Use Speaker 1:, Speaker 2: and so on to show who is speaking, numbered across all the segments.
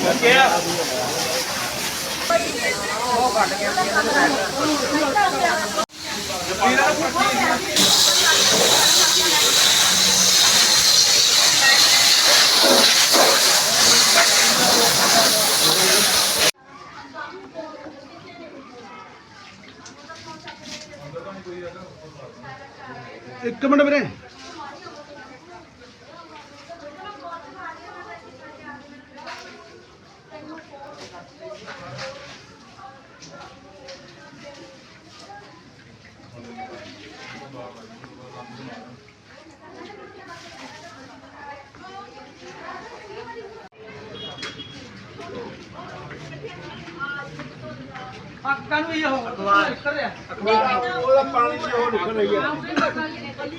Speaker 1: एक मिनट मेरे पानी निकल रही है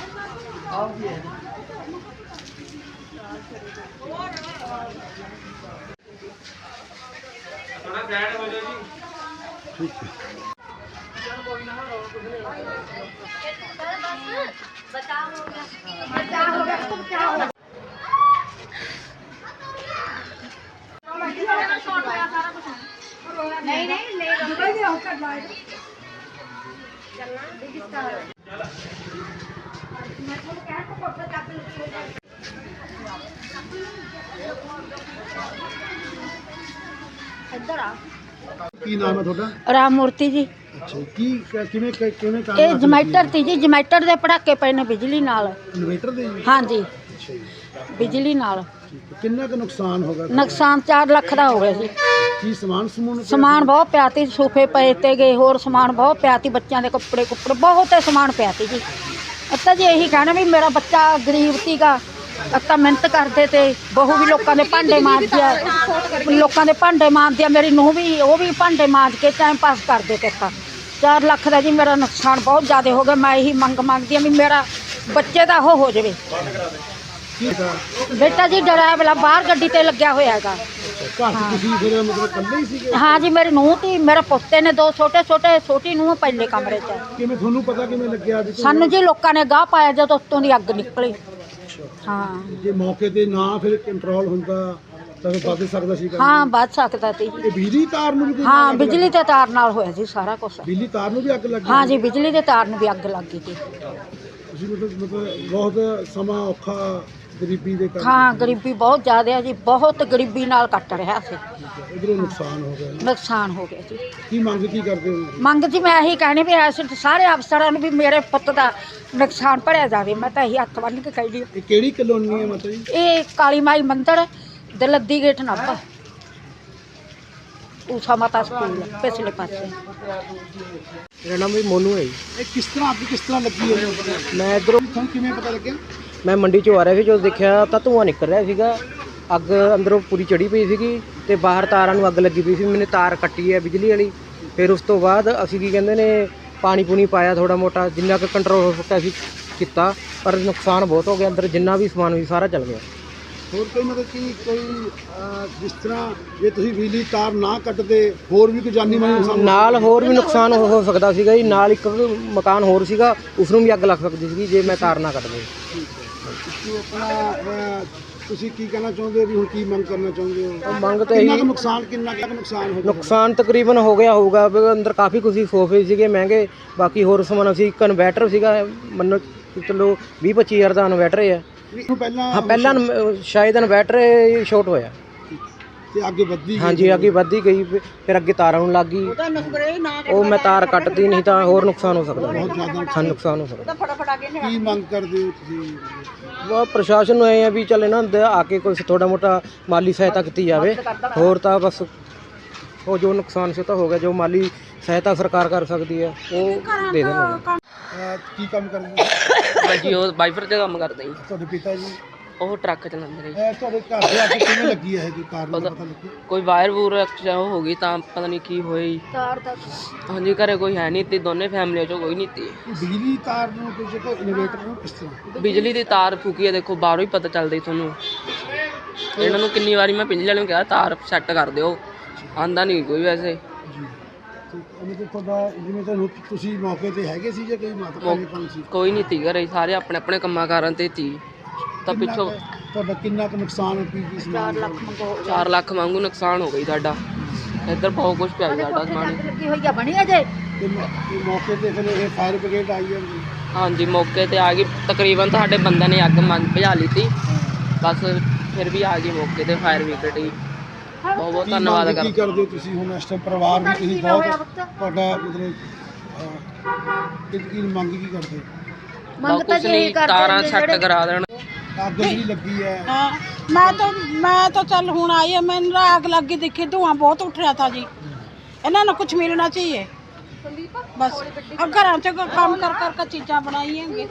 Speaker 1: ठीक है
Speaker 2: नहीं नहीं ले ਇੱਧਰ ਆ
Speaker 1: ਕੀ ਨਾਮ ਹੈ ਤੁਹਾਡਾ?
Speaker 3: ਰਾਮ ਮੂਰਤੀ ਜੀ।
Speaker 1: ਅੱਛਾ ਕਿਵੇਂ ਕੰਮ
Speaker 3: ਇਹ ਜਮੈਟਰ ਤੀ ਜੀ, ਜਮੈਟਰ ਦੇ ਪੜਾਕੇ ਪਏ ਨੇ ਬਿਜਲੀ ਨਾਲ।
Speaker 1: ਇਨਵੇਟਰ ਦੇ ਜੀ?
Speaker 3: ਹਾਂਜੀ
Speaker 1: ਅੱਛਾ ਜੀ,
Speaker 3: ਬਿਜਲੀ ਨਾਲ।
Speaker 1: ਕਿੰਨਾ ਕੁ ਨੁਕਸਾਨ ਹੋ ਗਿਆ?
Speaker 3: ਨੁਕਸਾਨ 4 ਲੱਖ ਦਾ ਹੋ ਗਿਆ ਜੀ।
Speaker 1: ਕੀ ਸਮਾਨ
Speaker 3: ਸਮਾਨ ਬਹੁਤ ਪਿਆ ਤੀ, ਸੋਫੇ ਪਏ ਤੇ ਗਏ, ਹੋਰ ਸਮਾਨ ਬਹੁਤ ਪਿਆ ਤੀ, ਬੱਚਿਆਂ ਦੇ ਕੱਪੜੇ ਬਹੁਤ ਸਮਾਨ ਪਿਆ ਤੀ ਜੀ। ਅੱਤਾ ਜੀ ਇਹੀ ਕਹਿਣਾ ਵੀ ਮੇਰਾ ਬੱਚਾ ਗਰੀਬ ਸੀਗਾ, ਅੱਤਾ ਮਿਹਨਤ ਕਰਦੇ ਤੇ ਬਹੂ ਵੀ ਲੋਕਾਂ ਦੇ ਭਾਂਡੇ ਮਾਂਜਦੀ ਆ, ਮੇਰੀ ਨੂੰਹ ਵੀ, ਉਹ ਵੀ ਭਾਂਡੇ ਮਾਂਜ ਕੇ ਟਾਈਮ ਪਾਸ ਕਰਦੇ ਤੇ। 4 ਲੱਖ ਦਾ ਜੀ ਮੇਰਾ ਨੁਕਸਾਨ ਬਹੁਤ ਜ਼ਿਆਦਾ ਹੋ ਗਿਆ। ਮੈਂ ਇਹੀ ਮੰਗਦੀ ਆ ਵੀ ਮੇਰਾ ਬੱਚੇ ਦਾ ਉਹ ਹੋ ਜਾਵੇ। ਬੇਟਾ ਜੀ ਡਰਾਈਵਰ ਬਾਹਰ ਗੱਡੀ ਤੇ ਲੱਗਿਆ ਹੋਇਆ ਹੈਗਾ। हाँ जी मेरी ਨੂੰਹ ਤੀ, मेरे पोते ने 2 छोटी ਨੂੰਹ ਪਹਿਲੇ ਕਮਰੇ 'ਚ।
Speaker 1: ਕਿਵੇਂ ਤੁਹਾਨੂੰ ਪਤਾ ਕਿਵੇਂ ਲੱਗਿਆ?
Speaker 3: ਸਾਨੂੰ ਜੀ ਲੋਕਾਂ ਨੇ ਗਾਹ ਪਾਇਆ ਜਦੋਂ ਉੱਤੋਂ ਦੀ ਅੱਗ ਨਿਕਲੀ। ਹਾਂ
Speaker 1: ਜੇ ਮੌਕੇ ਤੇ ਨਾ ਫਿਰ ਕੰਟਰੋਲ ਹੁੰਦਾ ਤਾਂ ਵੱਧ ਸਕਦਾ ਸੀ।
Speaker 3: ਹਾਂ ਵੱਧ ਸਕਦਾ ਸੀ।
Speaker 1: ਇਹ ਬਿਜਲੀ ਤਾਰ ਨੂੰ ਵੀ?
Speaker 3: ਹਾਂ ਬਿਜਲੀ ਤੇ ਤਾਰ ਨਾਲ ਹੋਇਆ ਜੀ ਸਾਰਾ ਕੁਝ।
Speaker 1: ਬਿਜਲੀ ਤਾਰ ਨੂੰ ਵੀ ਅੱਗ ਲੱਗੀ?
Speaker 3: ਹਾਂ ਜੀ ਬਿਜਲੀ ਦੇ ਤਾਰ ਨੂੰ ਵੀ ਅੱਗ ਲੱਗ ਗਈ ਸੀ।
Speaker 1: ਤੁਸੀਂ ਮਤਲਬ ਬਹੁਤ ਸਮਾਂ ਔਖਾ ਗਰੀਬੀ ਦੇ ਕਾਰਨ?
Speaker 3: ਹਾਂ ਗਰੀਬੀ ਬਹੁਤ ਜ਼ਿਆਦਾ ਹੈ ਜੀ, ਬਹੁਤ ਗਰੀਬੀ ਨਾਲ ਕੱਟ ਰਿਹਾ ਸੀ।
Speaker 1: ਇਧਰੋਂ ਨੁਕਸਾਨ ਹੋ ਗਿਆ?
Speaker 3: ਨੁਕਸਾਨ ਹੋ ਗਿਆ ਜੀ।
Speaker 1: ਕੀ ਮੰਗ ਕੀ ਕਰਦੇ ਹੋ?
Speaker 3: ਮੰਗ ਜੀ ਮੈਂ ਇਹੀ ਕਹਿਣੀ ਵੀ ਐਸੇ ਸਾਰੇ ਅਫਸਰਾਂ ਨੂੰ ਵੀ ਮੇਰੇ ਪੁੱਤ ਦਾ ਨੁਕਸਾਨ ਭਰਿਆ ਜਾਵੇ। ਮੈਂ ਤਾਂ ਇਹੀ ਹੱਥ ਬੰਨ੍ਹ ਕੇ ਕਹਿ ਰਹੀ।
Speaker 1: ਇਹ ਕਿਹੜੀ ਕਲੋਨੀ ਹੈ ਮਤਲਬ ਜੀ?
Speaker 3: ਇਹ ਕਾਲੀ ਮਾਈ ਮੰਦਿਰ ਦਲੱਦੀ ਗੇਟ ਨਾਭਾ, ਊਸ਼ਾ ਮਾਤਾ ਸਕੂਲ ਪਿਛਲੇ ਪਾਸੇ।
Speaker 4: ਮੇਰਾ ਨਾਮ ਵੀ ਮੋਨੂ ਹੈ ਜੀ।
Speaker 1: ਇਹ ਕਿਸ ਤਰ੍ਹਾਂ ਲੱਗੀ ਹੈ?
Speaker 4: ਮੈਂ ਇੱਧਰੋਂ
Speaker 1: ਤੁਹਾਨੂੰ ਕਿਵੇਂ ਪਤਾ ਲੱਗਿਆ?
Speaker 4: ਮੈਂ ਮੰਡੀ 'ਚੋਂ ਆ ਰਿਹਾ ਸੀ, ਜਦੋਂ ਦੇਖਿਆ ਤਾਂ ਧੂੰਆਂ ਨਿਕਲ ਰਿਹਾ ਸੀਗਾ। ਅੱਗ ਅੰਦਰੋਂ ਪੂਰੀ ਚੜੀ ਪਈ ਸੀਗੀ ਤੇ ਬਾਹਰ ਤਾਰਾਂ ਨੂੰ ਅੱਗ ਲੱਗੀ ਪਈ ਸੀ। ਮੈंने ਤਾਰ ਕੱਟੀ ਹੈ ਬਿਜਲੀ ਵਾਲੀ। ਫਿਰ ਉਸ ਤੋਂ ਬਾਅਦ ਅਸੀਂ ਕੀ ਕਹਿੰਦੇ ਨੇ ਪਾਣੀ ਪੂਣੀ ਪਾਇਆ ਥੋੜਾ ਮੋਟਾ, ਜਿੰਨਾ ਕੁ ਕੰਟਰੋਲ ਹੋ ਸਕਿਆ ਅਸੀਂ ਕੀਤਾ, ਪਰ ਨੁਕਸਾਨ ਬਹੁਤ ਹੋ ਗਿਆ। ਅੰਦਰ ਜਿੰਨਾ ਵੀ ਸਮਾਨ ਸੀ ਸਾਰਾ ਜਲ ਗਿਆ।
Speaker 1: ਹੋਰ ਕੋਈ ਮਤਲਬ ਕਿ ਕੋਈ ਜਿਸ ਤਰ੍ਹਾਂ ਜੇ ਤੁਸੀਂ ਬਿਜਲੀ ਤਾਰ ਨਾ ਕੱਟਦੇ ਹੋਰ ਵੀ ਕੋਈ ਜਾਨੀ ਮਾਲੀ ਨੁਕਸਾਨ?
Speaker 4: ਨਾਲ ਹੋਰ ਵੀ ਨੁਕਸਾਨ ਹੋ ਸਕਦਾ ਸੀਗਾ ਜੀ। ਨਾਲ ਇੱਕ ਮਕਾਨ ਹੋਰ ਸੀਗਾ, ਉਸ ਨੂੰ ਵੀ ਅੱਗ ਲੱਗ ਸਕਦੀ ਸੀਗੀ ਜੇ ਮੈਂ ਤਾਰ ਨਾ ਕੱਟਦੇ।
Speaker 1: ਆਪਣਾ ਤੁਸੀਂ ਕੀ ਕਹਿਣਾ ਚਾਹੁੰਦੇ ਹੋ ਵੀ ਹੁਣ ਕੀ ਮੰਗ ਕਰਨਾ ਚਾਹੁੰਦੇ ਹੋ?
Speaker 4: ਮੰਗ ਤਾਂ ਇਹੀ,
Speaker 1: ਕਿੰਨਾ ਕੁ ਨੁਕਸਾਨ ਹੋ ਗਿਆ?
Speaker 4: ਨੁਕਸਾਨ ਤਕਰੀਬਨ ਹੋ ਗਿਆ ਹੋਊਗਾ। ਅੰਦਰ ਕਾਫੀ ਕੁਝ ਸੋਫੇ ਸੀਗੇ ਮਹਿੰਗੇ, ਬਾਕੀ ਹੋਰ ਸਮਾਨ ਅਸੀਂ। ਇੱਕ ਇਨਵੈਟਰ ਸੀਗਾ, ਮੰਨੋ ਚਲੋ 20-25 ਹਜ਼ਾਰ ਦਾ ਇਨਵੈਟਰ ਹੈ। ਹਾਂ ਪਹਿਲਾਂ ਸ਼ਾਇਦ ਇਨਵੈਟਰ ਸ਼ਾਰਟ ਹੋਇਆ
Speaker 1: ਤੇ ਅੱਗੇ ਵੱਧਦੀ?
Speaker 4: ਹਾਂਜੀ ਅੱਗੇ ਵੱਧਦੀ ਗਈ, ਫਿਰ ਅੱਗੇ ਤਾਰਾਂ ਨੂੰ ਲੱਗ ਗਈ। ਉਹ ਮੈਂ ਤਾਰ ਕੱਟਦੀ, ਨਹੀਂ ਤਾਂ ਹੋਰ ਨੁਕਸਾਨ ਹੋ ਸਕਦਾ,
Speaker 1: ਬਹੁਤ ਜ਼ਿਆਦਾ
Speaker 4: ਸਾਨੂੰ ਨੁਕਸਾਨ ਹੋ ਸਕਦਾ।
Speaker 1: ਕੀ ਮੰਗ ਕਰਦੇ ਹੋ ਤੁਸੀਂ?
Speaker 4: ਉਹ ਪ੍ਰਸ਼ਾਸਨ ਨੂੰ ਇਹ ਹੈ ਵੀ ਚੱਲ ਇਹਨਾਂ ਦੇ ਆ ਕੇ ਕੋਈ ਥੋੜਾ ਮੋਟਾ ਮਾਲੀ ਸਹਾਇਤਾ ਕੀਤੀ ਜਾਵੇ। ਹੋਰ ਤਾਂ ਬਸ ਉਹ ਜੋ ਨੁਕਸਾਨ ਸੀ ਤਾਂ ਹੋ ਗਿਆ, ਜੋ ਮਾਲੀ ਸਹਾਇਤਾ ਸਰਕਾਰ ਕਰ ਸਕਦੀ ਹੈ ਉਹ ਦੇ ਦੇਣਗੇ।
Speaker 1: ਕੀ ਕੰਮ ਕਰਦੇ?
Speaker 5: ਹਾਂਜੀ ਉਹ ਵਾਈਫਰ ਤੇ ਕੰਮ ਕਰਦੇ ਜੀ।
Speaker 1: ਤੁਹਾਡੇ ਪਿਤਾ ਜੀ?
Speaker 5: ਉਹ ਟਰੱਕ ਚਲਾਉਂਦੇ ਨੇ।
Speaker 1: ਤੁਹਾਡੇ ਘਰ ਦੇ ਅੱਗੇ ਕਿਵੇਂ ਲੱਗੀ ਹੈ? ਇਹ ਕਾਰਨ ਪਤਾ ਲੱਗਿਆ?
Speaker 5: ਕੋਈ ਵਾਇਰ ਵੂਰ ਉਹ ਹੋ ਗਈ ਤਾਂ ਪਤਾ ਨਹੀਂ ਕੀ ਹੋਈ। ਹਾਂਜੀ ਘਰੇ ਕੋਈ ਹੈ ਨਹੀਂ ਤੀ, ਦੋਨੇ ਫੈਮਲੀਆਂ ਚੋਂ ਕੋਈ ਨਹੀਂ ਤੀ।
Speaker 1: ਬਿਜਲੀ ਤਾਰ ਨੂੰ ਕੁਝ ਇਨਵੇਟਰ ਨੂੰ ਕਿਸ ਤਰ੍ਹਾਂ?
Speaker 5: ਬਿਜਲੀ ਦੀ ਤਾਰ ਫੂਕੀ ਹੈ, ਦੇਖੋ ਬਾਹਰੋਂ ਹੀ ਪਤਾ ਚੱਲਦਾ ਤੁਹਾਨੂੰ। ਇਹਨਾਂ ਨੂੰ ਕਿੰਨੀ ਵਾਰੀ ਮੈਂ ਬਿਜਲੀ ਵਾਲਿਆਂ ਨੂੰ ਕਿਹਾ ਤਾਰ ਸੈੱਟ ਕਰ ਦਿਓ, ਆਂਦਾ ਨਹੀਂ ਕੋਈ ਵੈਸੇ।
Speaker 1: ਤੁਹਾਡਾ ਜਿਵੇਂ ਤੁਹਾਨੂੰ ਤੁਸੀਂ ਮੌਕੇ ਤੇ ਹੈਗੇ ਸੀ ਜਾਂ ਕੋਈ ਮਾਤਾ ਪਿਤਾ ਸੀ?
Speaker 5: ਕੋਈ ਨਹੀਂ ਤੀ ਘਰੇ, ਸਾਰੇ ਆਪਣੇ ਆਪਣੇ ਕੰਮਾਂ ਕਾਰਾਂ ਤੇ ਤੀ। ਤਾਂ ਪਿੱਛੋਂ
Speaker 1: ਤੁਹਾਡਾ ਕਿੰਨਾ ਕੁ ਨੁਕਸਾਨ ਹੈ ਕੀ
Speaker 3: 4 ਲੱਖ ਮੰਗੋ
Speaker 5: 4 ਲੱਖ ਵਾਂਗੂ ਨੁਕਸਾਨ ਹੋ ਗਈ ਸਾਡਾ। ਇੱਧਰ ਬਹੁਤ ਕੁਝ ਪਿਆ ਜੀ ਸਾਡਾ ਸਮਾਨ।
Speaker 3: ਲੱਗੀ ਹੋਈ ਆ ਬਣੀ ਅਜੇ
Speaker 1: ਤੇ ਮੌਕੇ ਤੇ ਫਿਰ ਇਹ ਫਾਇਰ ਬ੍ਰਿਗੇਡ ਆਈ ਹੈ ਜੀ?
Speaker 5: ਹਾਂਜੀ ਮੌਕੇ ਤੇ ਆ ਗਈ, ਤਕਰੀਬਨ ਸਾਡੇ ਬੰਦੇ ਨੇ ਅੱਗ ਭਜਾ ਲਈ ਸੀ, ਬਸ ਫਿਰ ਵੀ ਆ ਗਈ ਮੌਕੇ ਤੇ ਫਾਇਰ ਬ੍ਰਿਗੇਡ ਹੀ। ਬਹੁਤ ਬਹੁਤ ਧੰਨਵਾਦ
Speaker 1: ਕੀ ਕਰਦੇ ਹੋ ਤੁਸੀਂ ਹੁਣ ਇਸ ਟਾਈਮ? ਪਰਿਵਾਰ ਵੀ ਤੁਸੀਂ ਬਹੁਤ ਤੁਹਾਡਾ ਮਤਲਬ ਕੀ ਮੰਗ ਕੀ ਕਰਦੇ?
Speaker 3: ਮੰਗ ਤਾਂ
Speaker 5: ਕੁਛ ਨਹੀਂ, ਤਾਰਾਂ ਸੈੱਟ ਕਰਾ ਦੇਣ।
Speaker 1: ਅੱਗ ਜਿਹੜੀ ਲੱਗੀ ਹੈ
Speaker 6: हाँ, मैं तो चल हूँ आई है, मैंने आग लग गई देखी, धुआं बहुत उठ रहा था जी। इन्होंने कुछ मिलना चाहिए बस। अब घर से काम कर कर के चीज़ा बनाई हैं।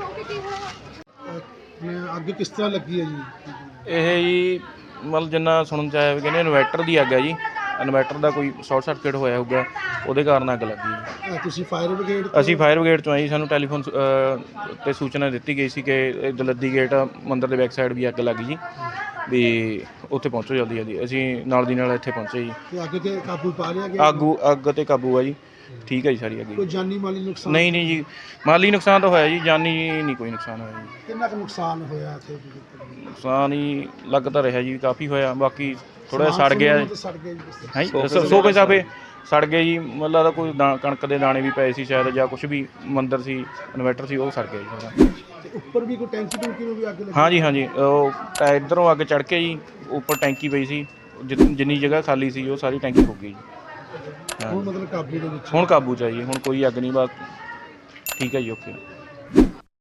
Speaker 1: ਅੱਗ ਕਿਸ ਤਰ੍ਹਾਂ ਲੱਗੀ ਹੈ ਜੀ?
Speaker 7: ਇਹ ਜੀ ਮਤਲਬ ਜਿੰਨਾ ਸੁਣਨ ਚ ਆਇਆ ਵੀ ਕਹਿੰਦੇ ਇਨਵਰਟਰ ਦੀ ਅੱਗ ਹੈ ਜੀ। ਇਨਵਰਟਰ ਦਾ ਕੋਈ ਸ਼ਾਰਟ ਸਰਕਟ ਹੋਇਆ ਹੋਊਗਾ, ਉਹਦੇ ਕਾਰਨ ਅੱਗ ਲੱਗੀ ਜੀ।
Speaker 1: ਤੁਸੀਂ ਫਾਇਰ ਬ੍ਰਿਗੇਡ
Speaker 7: ਅਸੀਂ ਫਾਇਰ ਬ੍ਰਿਗੇਡ ਤੋਂ ਆਏ, ਸਾਨੂੰ ਟੈਲੀਫੋਨ ਤੇ ਸੂਚਨਾ ਦਿੱਤੀ ਗਈ ਸੀ ਕਿ ਦਲੱਦੀ ਗੇਟ ਮੰਦਿਰ ਦੇ ਬੈਕ ਸਾਈਡ ਵੀ ਅੱਗ ਲੱਗੀ ਜੀ, ਵੀ ਉੱਥੇ ਪਹੁੰਚੋ ਜਲਦੀ ਜਲਦੀ। ਅਸੀਂ ਨਾਲ ਦੀ ਨਾਲ ਇੱਥੇ ਪਹੁੰਚੇ ਜੀ।
Speaker 1: ਤੇ ਅੱਗ ਤੇ ਕਾਬੂ ਪਾ ਲਿਆ ਗਿਆ?
Speaker 7: ਅੱਗ ਤੇ ਕਾਬੂ ਆ ਜੀ, ਠੀਕ ਹੈ ਜੀ ਸਾਰੀ ਅੱਗ
Speaker 1: ਕੋਈ
Speaker 7: ਜੀ।
Speaker 1: ਜਾਨੀ ਮਾਲੀ ਨੁਕਸਾਨ?
Speaker 7: ਨਹੀਂ ਨਹੀਂ ਜੀ, ਮਾਲੀ ਨੁਕਸਾਨ ਤਾਂ ਹੋਇਆ ਜੀ, ਜਾਨੀ ਨਹੀਂ ਕੋਈ ਨੁਕਸਾਨ ਹੋਇਆ ਜੀ।
Speaker 1: ਕਿੰਨਾ ਕੁ ਨੁਕਸਾਨ ਹੋਇਆ ਇੱਥੇ?
Speaker 7: ਨੁਕਸਾਨ ਹੀ ਲੱਗ ਤਾਂ ਰਿਹਾ ਜੀ, ਕਾਫੀ ਹੋਇਆ। ਬਾਕੀ ਥੋੜਾ ਸੜ ਗਿਆ
Speaker 1: ਸੜ ਗਿਆ ਜੀ ਕਿਸ ਤਰ੍ਹਾਂ?
Speaker 7: ਹੈ ਸੋਫੇ ਸਾਫੇ ਸੜ ਗਏ ਜੀ। ਮਤਲਬ ਦਾ ਕੋਈ ਕਣਕ ਦੇ ਦਾਣੇ ਵੀ ਪਏ ਸੀ ਸ਼ਾਇਦ, ਜਾਂ ਕੁਝ ਵੀ ਮੰਦਰ ਸੀ, ਇਨਵਰਟਰ ਸੀ, ਉਹ ਸੜ ਗਿਆ ਜੀ ਸਾਰਾ।
Speaker 1: ਤੇ ਉੱਪਰ ਵੀ ਕੋਈ ਟੈਂਕੀ ਟੂੰਕੀ ਨੂੰ ਵੀ ਅੱਗ ਲੱਗੀ?
Speaker 7: ਹਾਂਜੀ ਹਾਂਜੀ, ਉਹ ਇੱਧਰੋਂ ਅੱਗ ਚੜ੍ਹ ਕੇ ਜੀ ਉੱਪਰ ਟੈਂਕੀ ਪਈ ਸੀ, ਜਿੰਨੀ ਜਗ੍ਹਾ ਖਾਲੀ ਸੀ ਉਹ ਸਾਰੀ ਟੈਂਕੀ ਫੁੱਕ ਗਈ ਜੀ।
Speaker 1: ਹੁਣ ਮਤਲਬ ਕਾਬੂ ਦੇ ਵਿੱਚ?
Speaker 7: ਹੁਣ ਕਾਬੂ 'ਚ ਆ ਜੀ, ਹੁਣ ਕੋਈ ਅੱਗ ਨਹੀਂ, ਬਸ ਠੀਕ ਹੈ ਜੀ, ਓਕੇ।